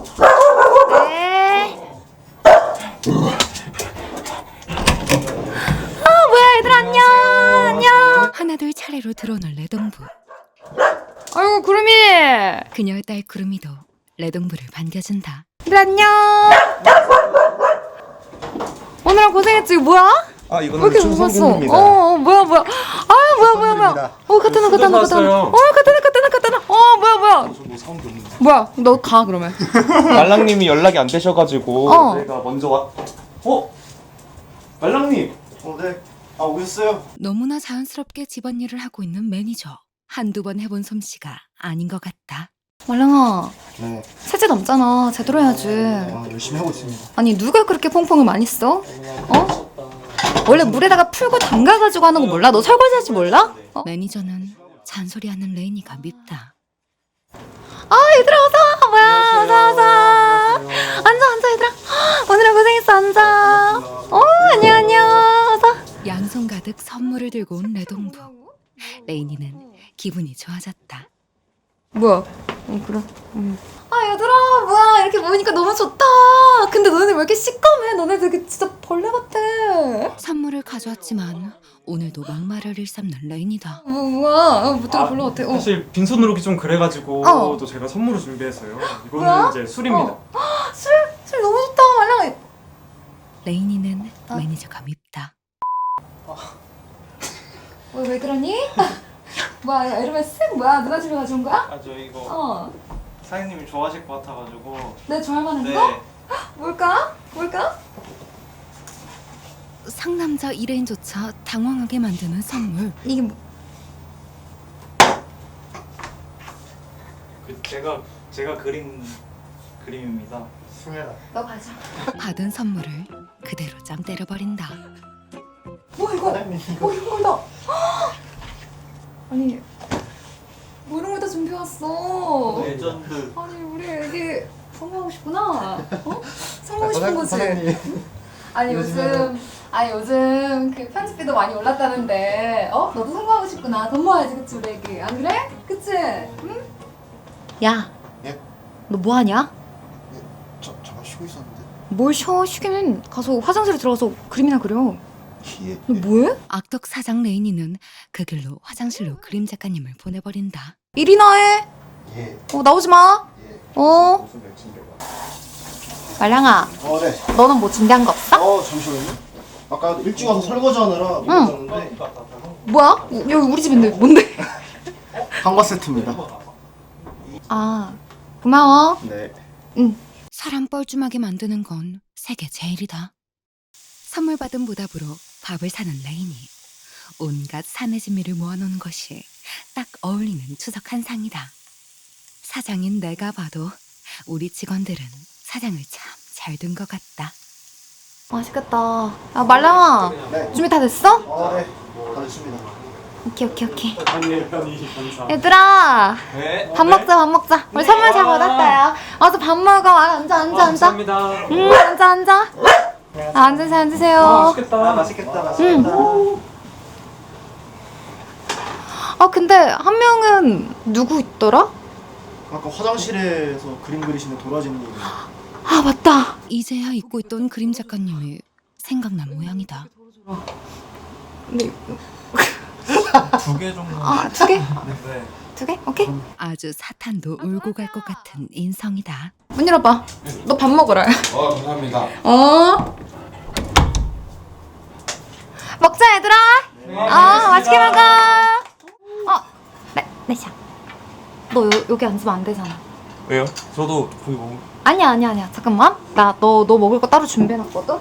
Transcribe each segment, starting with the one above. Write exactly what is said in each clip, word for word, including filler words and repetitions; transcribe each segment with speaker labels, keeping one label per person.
Speaker 1: 네. 아 뭐야 얘들 안녕. 안녕.
Speaker 2: 하나둘 차례로 들어오는 레동부.
Speaker 1: 아이고 구름이.
Speaker 2: 그녀의 딸 구름이도 레동부를 반겨준다.
Speaker 1: 얘들 안녕. 오늘은 고생했지. 이거 뭐야?
Speaker 3: 아
Speaker 1: 왜
Speaker 3: 이거는
Speaker 1: 이렇게
Speaker 3: 충성
Speaker 1: 무겁어?
Speaker 3: 공부입니다.
Speaker 1: 어, 어 뭐야 뭐야. 아 뭐야 뭐야 뭐야.
Speaker 3: 선물입니다.
Speaker 1: 어 카타나 카타나 카타나. 어 카타나 카타나 카타나. 어 뭐야 뭐야.
Speaker 3: 저뭐 사온 게 없는데.
Speaker 1: 뭐야 너 가 그러면.
Speaker 3: 말랑님이 연락이 안 되셔가지고
Speaker 1: 어.
Speaker 3: 제가 먼저 와. 어? 말랑님.
Speaker 4: 어, 네. 아, 오셨어요?
Speaker 2: 너무나 자연스럽게 집안일을 하고 있는 매니저. 한두 번 해본 솜씨가 아닌 것 같다.
Speaker 1: 말랑아
Speaker 4: 네.
Speaker 1: 세제 남잖아. 제대로 해야지.
Speaker 4: 아, 열심히 하고 있습니다.
Speaker 1: 아니 누가 그렇게 퐁퐁을 많이 써? 어? 원래 물에다가 풀고 담가가지고 하는 거 몰라? 너 설거지 할 줄 몰라? 어?
Speaker 2: 매니저는 잔소리하는 레인이가 밉다.
Speaker 1: 아 얘들아 어서 뭐야 어서 어서 앉아 앉아 얘들아. 오늘은 고생했어 앉아. 어 안녕 안녕 어서.
Speaker 2: 양손 가득 선물을 들고 온 레동부. 레인이는 기분이 좋아졌다.
Speaker 1: 뭐야? 어 그래. 응. 아 얘들아 뭐야 이렇게 모이니까 너무 좋다. 근데 너네들 왜 이렇게 시꺼매? 너네 되게 진짜 벌레 같아.
Speaker 2: 선물을 가져왔지만 오늘도 막말을 일삼는 레인이다.
Speaker 1: 뭐 뭐야? 어, 되게 벌레 같아. 어.
Speaker 5: 사실 빈손으로 오기 좀 그래가지고
Speaker 1: 어.
Speaker 5: 또 제가 선물을 준비했어요. 이거는
Speaker 1: 뭐야?
Speaker 5: 이제 술입니다.
Speaker 1: 어. 술? 술 너무 좋다 말랑.
Speaker 2: 레인이는
Speaker 1: 어?
Speaker 2: 매니저가 밉다.
Speaker 1: 왜, 왜 그러니? 뭐야 에르메스? 뭐야 누나 집에 가져온 거야?
Speaker 6: 아 저 이거
Speaker 1: 어.
Speaker 6: 사장님이 좋아하실 것 같아가지고.
Speaker 1: 내 좋아할 만한
Speaker 6: 네.
Speaker 1: 거? 뭘까? 뭘까?
Speaker 2: 상남자 일회인조차 당황하게 만드는 선물.
Speaker 1: 이게 뭐?
Speaker 6: 그 제가 제가 그린 그림입니다.
Speaker 4: 승현아.
Speaker 1: 너 가져.
Speaker 2: 받은 선물을 그대로 짬 때려버린다.
Speaker 1: 뭐 이거?
Speaker 4: 사장님, 이거.
Speaker 1: 어 이런 걸다. 아니 뭐 이런 걸 다 준비해 왔어.
Speaker 6: 레전드.
Speaker 1: 아니 우리 애기 성공하고 싶구나. 어? 성공하고 싶은
Speaker 4: 사장-
Speaker 1: 거지.
Speaker 4: 사장님.
Speaker 1: 아니 요즘 아니 요즘 그 편집비도 많이 올랐다는데 어 너도 성공하고 싶구나. 돈 모아야지 그치 우리 애기 안 그래? 그치? 응? 야.
Speaker 4: 예?
Speaker 1: 너 뭐 하냐?
Speaker 4: 저, 잠깐 쉬고 있었는데.
Speaker 1: 뭘 쉬어? 쉬기는 가서 화장실에 들어가서 그림이나 그려.
Speaker 4: 예.
Speaker 1: 너 뭐해?
Speaker 2: 악덕 사장 레인이는 그 길로 화장실로 그림 작가님을 보내버린다.
Speaker 1: 일이나 해.
Speaker 4: 예.
Speaker 1: 어 나오지 마.
Speaker 4: 예.
Speaker 1: 어.
Speaker 4: 무슨 맥주인가?
Speaker 1: 말랑아,
Speaker 4: 어, 네.
Speaker 1: 너는 뭐 준비한 거 없어?
Speaker 4: 어, 잠시만요. 아까 일찍 와서 설거지 하느라 못 왔는데
Speaker 1: 뭐야? 우- 여기 우리 집인데 뭔데?
Speaker 4: 한과 세트입니다.
Speaker 1: 아 고마워.
Speaker 4: 네.
Speaker 1: 응.
Speaker 2: 사람 뻘쭘하게 만드는 건 세계 제일이다. 선물 받은 보답으로 밥을 사는 레인이 온갖 사내 진미를 모아놓은 것이 딱 어울리는 추석 한상이다. 사장인 내가 봐도 우리 직원들은 사장을 참 잘 둔 것 같다.
Speaker 1: 맛있겠다. 아 말랑아,
Speaker 4: 네.
Speaker 1: 준비 다 됐어?
Speaker 4: 어, 네. 다 됐습니다.
Speaker 1: 오케이 오케이 오케이.
Speaker 5: 편히 편히 감사.
Speaker 6: 아,
Speaker 1: 얘들아,
Speaker 6: 네.
Speaker 1: 밥 먹자 밥 먹자. 우리 선물 잘 받았다요. 와서 밥 먹어. 아, 앉아 앉아 앉아.
Speaker 5: 감사합니다.
Speaker 1: 응 앉아 앉아. 아, 앉으세요 앉으세요.
Speaker 5: 아, 맛있겠다.
Speaker 4: 아, 맛있겠다. 맛있겠다.
Speaker 1: 아 근데 한 명은 누구 있더라?
Speaker 4: 아까 화장실에서 그림 그리시는 도라지님.
Speaker 1: 아 맞다.
Speaker 2: 이제야 잊고 있던 그림 작가님이 생각난 모양이다.
Speaker 1: 근데
Speaker 6: 두 개 정도.
Speaker 1: 아 두 개?
Speaker 6: 네.
Speaker 1: 두 개? 오케이.
Speaker 2: 아주 사탄도 울고 갈 것 같은 인성이다.
Speaker 1: 문 열어봐. 너 밥 먹으라.
Speaker 7: 어, 감사합니다.
Speaker 1: 어. 먹자 얘들아. 어 맛있게 먹어. 어, 네, 네샤. 너 요, 여기 앉으면 안 되잖아.
Speaker 6: 왜요? 저도 거기 뭐.
Speaker 1: 아니야 아니야 아니야. 잠깐만. 나 너 너 먹을 거 따로 준비해놨거든.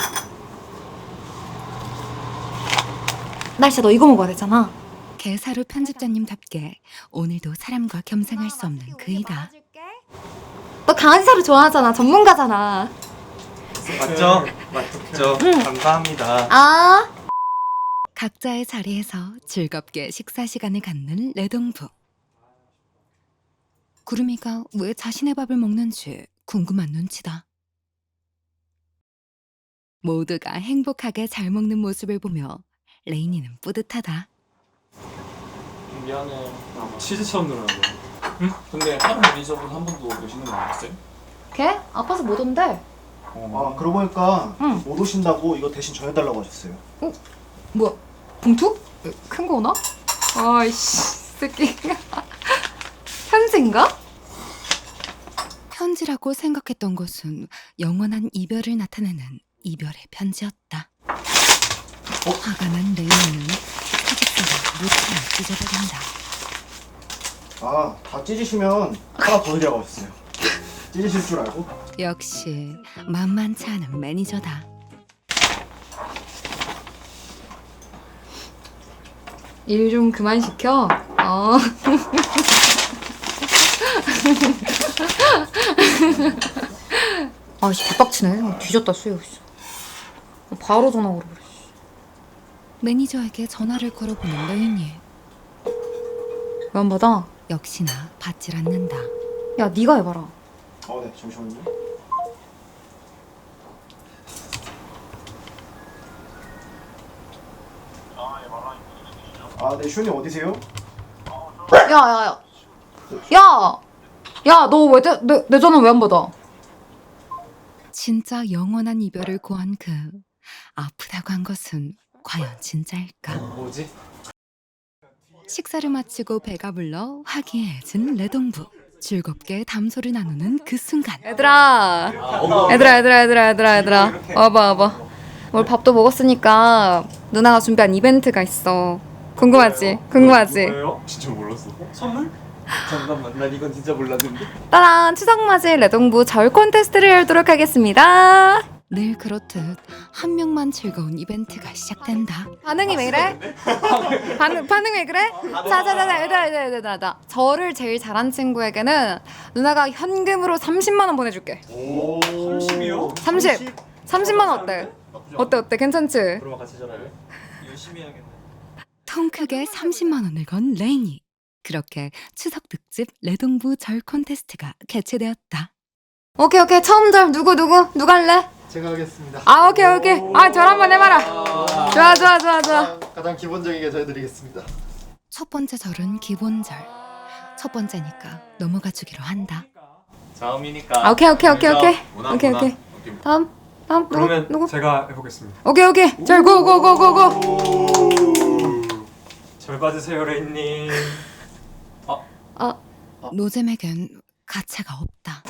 Speaker 1: 날씨 너 이거 먹어야 되잖아.
Speaker 2: 개사루 편집자님답게 오늘도 사람과 겸상할 수 없는 그이다.
Speaker 1: 너 강아지 사료 좋아하잖아. 전문가잖아.
Speaker 6: 맞죠? 맞죠? 감사합니다.
Speaker 1: 아.
Speaker 2: 각자의 자리에서 즐겁게 식사 시간을 갖는 레동부. 구름이가 왜 자신의 밥을 먹는지 궁금한 눈치다. 모두가 행복하게 잘 먹는 모습을 보며 레인이는 뿌듯하다.
Speaker 8: 미안해.
Speaker 5: 치즈처럼 늘어나고.
Speaker 8: 근데 하루 매니저분 한 번도 오시는 거 아니었어요?
Speaker 1: 걔? 아파서 못 온대.
Speaker 4: 아 그러고 보니까
Speaker 1: 응.
Speaker 4: 못 오신다고 이거 대신 전해달라고 하셨어요.
Speaker 1: 뭐야? 봉투? 큰 거 오나? 아이씨 새끼. 편지인가?
Speaker 2: 편지라고 생각했던 것은 영원한 이별을 나타내는 이별의 편지였다. 화가 난 레이는 사직서를 무차로 찢어버린다.
Speaker 4: 아 다 찢으시면 하나 더 드리라고 하셨어요. 찢으실 줄 알고?
Speaker 2: 역시 만만치 않은 매니저다.
Speaker 1: 일 좀 그만 시켜. 어. 아씨 개빡치네. 뒤졌다 수요. 바로 전화 걸어 그래.
Speaker 2: 매니저에게 전화를 걸어보는 레인이
Speaker 1: 왜 안 받아?
Speaker 2: 역시나 받질 않는다.
Speaker 1: 야 네가 해봐라.
Speaker 4: 어, 네, 잠시만요. 아, 네, 슈님 어디세요?
Speaker 1: 야야야. 야. 야 너 왜 내 내 전화 왜 안 받아?
Speaker 2: 진짜 영원한 이별을 고한 그 아프다고 한 것은 과연 진짜일까?
Speaker 3: 뭐지?
Speaker 2: 식사를 마치고 배가 불러 화기애애해진 레동부. 즐겁게 담소를 나누는 그 순간
Speaker 1: 얘들아. 얘들아 얘들아 얘들아 얘들아 얘들아. 와봐 와봐. 오늘 밥도 먹었으니까 누나가 준비한 이벤트가 있어. 궁금하지? 궁금하지?
Speaker 5: 뭐예요?
Speaker 3: 진짜 몰랐어.
Speaker 6: 선물?
Speaker 3: 잠깐만, 난 이건 진짜 몰랐는데.
Speaker 1: 따란 추석맞이 레동부 절 콘테스트를 열도록 하겠습니다.
Speaker 2: 늘 그렇듯 한 명만 즐거운 이벤트가 시작된다.
Speaker 1: 반응이 왜 이래? 반응 반응 왜 그래? 자자자자 얘들아 얘들아 얘들아 얘들아. 저를 제일 잘한 친구에게는 누나가 현금으로 삼십만 원 보내줄게.
Speaker 4: 오,
Speaker 6: 삼십이요?
Speaker 1: 삼십. 삼십만 원 어때? 어때 어때 괜찮지?
Speaker 6: 그러면 같이 전화를 열심히 해야겠네.
Speaker 2: 통 크게 삼십만 원을 건 레인이. 그렇게 추석 특집 레동부 절 콘테스트가 개최되었다.
Speaker 1: 오케이 오케이 처음 절 누구 누구 누가 할래?
Speaker 4: 제가 하겠습니다.
Speaker 1: 아 오케이 오케이. 아 절 한번 해봐라. 좋아 좋아 좋아 좋아.
Speaker 4: 가장 기본적인 게 저해드리겠습니다.
Speaker 2: 첫 번째 절은 기본절. 첫 번째니까 넘어가 주기로 한다.
Speaker 6: 다음이니까.
Speaker 1: 아 오케이 오케이 오케이 오케이
Speaker 3: 문화,
Speaker 1: 오케이
Speaker 3: 문화.
Speaker 1: 오케이. 다음 다음 누구
Speaker 5: 그러면
Speaker 1: 누구?
Speaker 5: 제가 해보겠습니다.
Speaker 1: 오케이 오케이 절 고 고 고 고고.
Speaker 5: 절 받으세요 레인님.
Speaker 1: 아
Speaker 2: 노잼에겐 가차가 없다.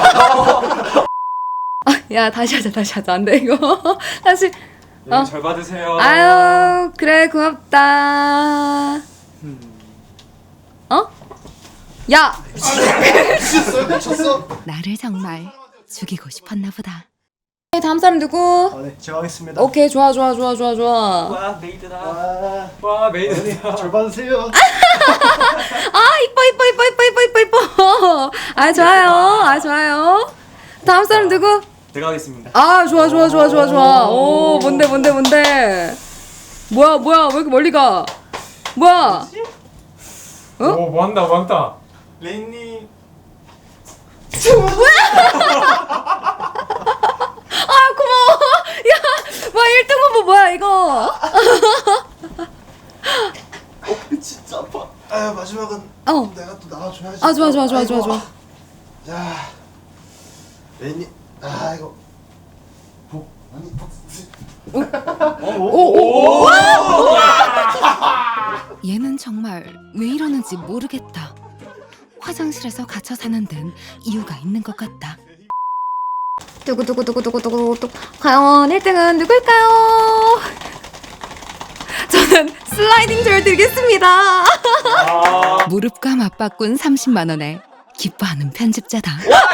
Speaker 1: 야 다시 하자 다시 하자 안 돼 이거 다시.
Speaker 5: 네,
Speaker 1: 어.
Speaker 5: 절 받으세요.
Speaker 1: 아유 그래 고맙다. 어? 야
Speaker 4: 미쳤어요? 미쳤어?
Speaker 2: 나를 정말 죽이고 싶었나 보다.
Speaker 1: 다음 사람 누구?
Speaker 4: 아, 네, 제가 하겠습니다.
Speaker 1: 오케이 좋아 좋아 좋아 좋아 좋아.
Speaker 6: 와 메이드다.
Speaker 4: 아,
Speaker 5: 와 메이드야.
Speaker 4: 절 받으세요.
Speaker 1: 아 이뻐 이뻐 이뻐 이뻐 이뻐 이뻐 이뻐. 아 좋아요 아 좋아요. 다음 사람 누구?
Speaker 6: 제가 하겠습니다.
Speaker 1: 아 좋아 좋아 좋아 좋아 좋아. 오 뭔데 뭔데 뭔데. 뭐야 뭐야 왜 이렇게 멀리 가? 뭐야? 어?
Speaker 5: 오 뭐한다 뭐한다.
Speaker 6: 레인님.
Speaker 1: 아 고마워. 야, 와 일 등 후보 뭐야 이거?
Speaker 4: 진짜 아파. 아, 마지막은
Speaker 1: 어.
Speaker 4: 내가 또 나와줘야지.
Speaker 1: 아 좋아 좋아 좋아 좋아
Speaker 4: 아이고.
Speaker 1: 좋아.
Speaker 4: 자, 레니, 아 이거 복 아니
Speaker 1: 오오.
Speaker 2: 얘는 정말 왜 이러는지 모르겠다. 화장실에서 갇혀 사는 데는 이유가 있는 것 같다.
Speaker 1: 두구 두구 두구 두구 두구 두구. 과연 일 등은 누굴까요? 저는 슬라이딩 절 드리겠습니다.
Speaker 2: 무릎과 맞바꾼 삼십만 원에 기뻐하는 편집자다.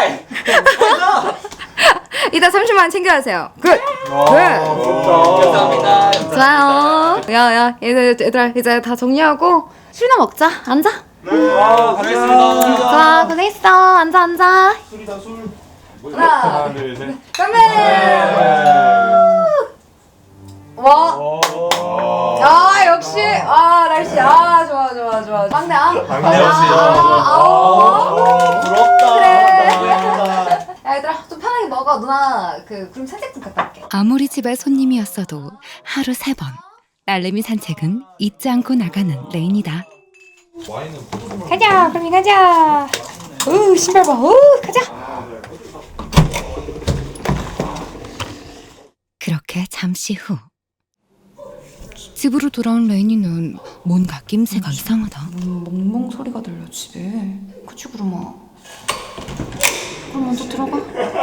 Speaker 1: 이따 삼십만 원 챙겨가세요. 굿.
Speaker 6: 감사합니다.
Speaker 1: 좋아요. 야야 얘들 얘들아 이제 다 정리하고 술이나 먹자. 앉아.
Speaker 5: 와 가겠습니다.
Speaker 1: 좋아 고생했어. 앉아 앉아.
Speaker 4: 술이다 술.
Speaker 1: 하나
Speaker 5: 하나 둘 셋.
Speaker 1: 건배. 와. 아 역시 아 날씨 아 좋아 좋아 좋아 막내 아
Speaker 5: 막내 역시.
Speaker 1: 아
Speaker 6: 부럽다.
Speaker 1: 그래. 야 얘들아 좀 편하게 먹어. 누나 그 그럼 산책 좀 갔다 올게.
Speaker 2: 아무리 집에 손님이었어도 하루 세 번 딸내미 산책은 잊지 않고 나가는 레인이다.
Speaker 1: 가자 그럼 가자. 우 신발 봐. 우 가자.
Speaker 2: 잠시 후 집으로 돌아온 레인이는 뭔가 낌새가 이상하다.
Speaker 1: 음, 멍멍 소리가 들려 집에. 그치 구름아. 그럼 먼저 들어가.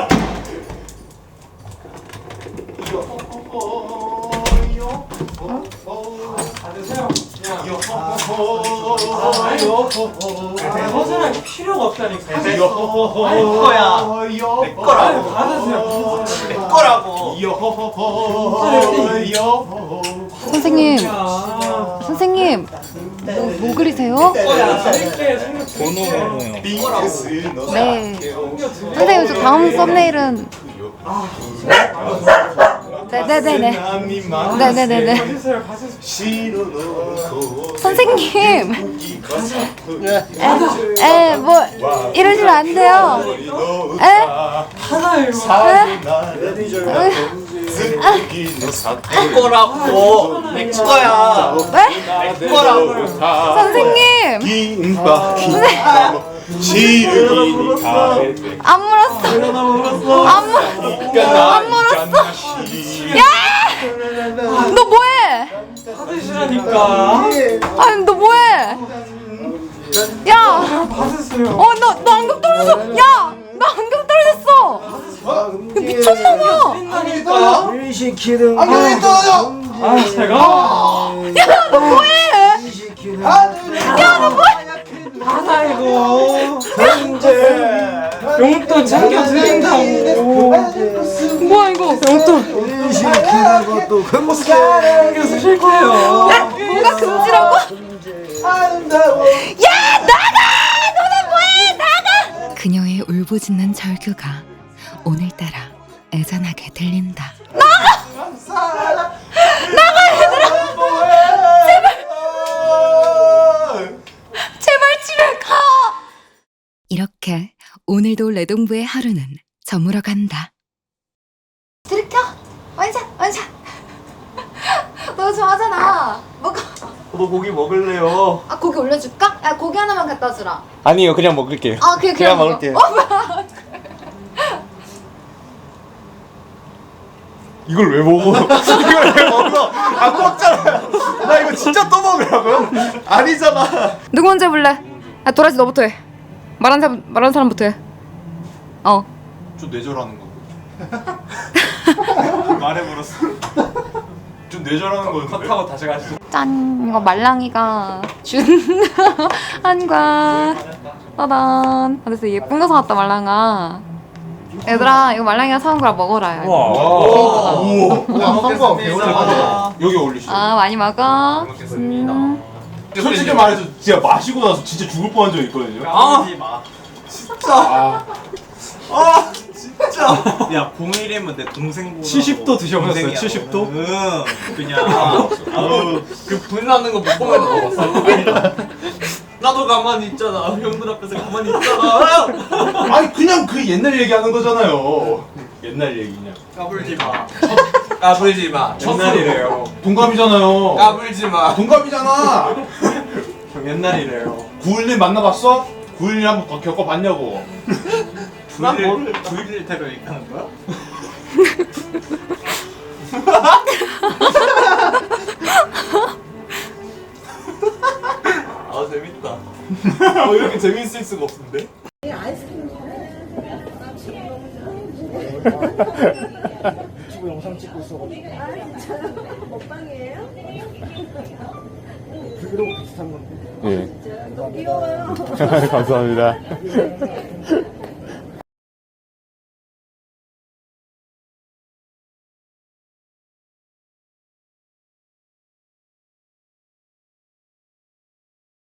Speaker 5: 허전할 필요가 없다니까.
Speaker 6: 내 거야. 내 거라고.
Speaker 5: 받으세요.
Speaker 6: 내 거라고.
Speaker 1: 선생님,
Speaker 5: 야.
Speaker 1: 선생님, 뭐, 뭐 그리세요?
Speaker 5: 드릴게 챙겨
Speaker 6: 번호번호요.
Speaker 1: 네. 선생님, 저 다음 썸네일은. 네네네네. 네네네네.
Speaker 5: 받으세요. 받으세요.
Speaker 1: 선생님. 에, 에, 뭐, 이러시면 안 돼요. 에?
Speaker 5: 하나예요.
Speaker 6: 내 거라고. 내 거야.
Speaker 1: 네?
Speaker 6: 내 거라고.
Speaker 1: 선생님.
Speaker 7: 김밥 김밥 시르기니까
Speaker 1: 안 물었어. 안 물, 안 물었어. 야! 너 뭐해?
Speaker 5: 받으시라니까.
Speaker 1: 아니, 너 뭐해? 야!
Speaker 5: 받으세요.
Speaker 1: 어, 너, 너 안경 떨어졌어! 야! 나 안경 떨어졌어! 미쳤나봐!
Speaker 5: 아니까.
Speaker 4: 일 시키는 거
Speaker 7: 안경이 떨어져!
Speaker 5: 아 제가.
Speaker 1: 야, 너 뭐해?
Speaker 4: 일 시키는
Speaker 1: 야, 너 뭐해?
Speaker 5: 아이고. 용돈 챙겨 드린다고.
Speaker 1: 뭐야, 이거?
Speaker 5: 용돈
Speaker 4: 일 시키는 것도 금세
Speaker 5: 챙겨 드릴 거예요.
Speaker 1: 뭔가 금지라고? 야, 나가! 너네 뭐해? 나가!
Speaker 2: 그녀의 울부짖는 절규가 오늘따라 애잔하게 들린다.
Speaker 1: 제발 집에 가!
Speaker 2: 이렇게 오늘도 레동부의 하루는 저물어 간다.
Speaker 1: 들이켜! 원샷! 원샷! 너 좋아하잖아. 먹어.
Speaker 3: 너 고기 먹을래요?
Speaker 1: 아, 고기 올려줄까? 야, 고기 하나만 갖다 주라.
Speaker 3: 아니요, 그냥 먹을게요.
Speaker 1: 아, 그냥,
Speaker 3: 그냥
Speaker 1: 먹어.
Speaker 3: 먹을게요.
Speaker 1: 어, 뭐야.
Speaker 3: 이걸 왜 먹어? 이걸 왜 먹어? 안 먹잖아. 나 이거 진짜 또 먹으라고요? 아니잖아.
Speaker 1: 누구 먼저 해볼래? 아, 도라지 너부터 해. 말한 사람, 말한 사람부터 해. 어.
Speaker 7: 좀 뇌절하는 거.
Speaker 3: 말해버렸어.
Speaker 7: 좀 뇌절하는 거.
Speaker 5: 컷하고 다시 가시죠.
Speaker 1: 짠! 이거 말랑이가 준 한과 짜잔. 아, 됐어. 예쁜 거 사왔다, 말랑아. 얘들아, 이거 말랑이가 사온 거라 먹어라. 야.
Speaker 5: 와.
Speaker 7: 우와. 한번 배우자. 여기 올리시죠.
Speaker 1: 아, 많이 먹어.
Speaker 7: 먹겠습니다.
Speaker 1: 음.
Speaker 7: 솔직히 말해서 진짜 마시고 나서 진짜 죽을 뻔한 적 있거든요.
Speaker 6: 아, 마.
Speaker 7: 아,
Speaker 3: 아, 진짜.
Speaker 6: 야, 공일이면 내 동생보다.
Speaker 5: 칠십 도 드셔보셨어요? 칠십 도?
Speaker 6: 응. 그냥. 아우, 그 불나는 거 못 보면 먹었어. 나도 가만히 있잖아. 형들 앞에서 가만히 있잖아.
Speaker 7: 아니 그냥 그 옛날 얘기하는 거잖아요. 옛날 얘기 그냥.
Speaker 6: 까불지 마. 까불지 마.
Speaker 5: 옛날이래요.
Speaker 7: 동갑이잖아요.
Speaker 6: 까불지 마.
Speaker 7: 동갑이잖아.
Speaker 5: 형 옛날이래요.
Speaker 7: 구일님 만나봤어? 구일님 한번 더 겪어봤냐고.
Speaker 6: 난뭘 구일일 테러 얘기하는 거야? 아 재밌다.
Speaker 3: 어, 이렇게 재밌을 수가 없는데?
Speaker 4: 유튜브 영상 찍고 있어가지고 브이로그 비슷한 건데
Speaker 7: 예. 감사합니다.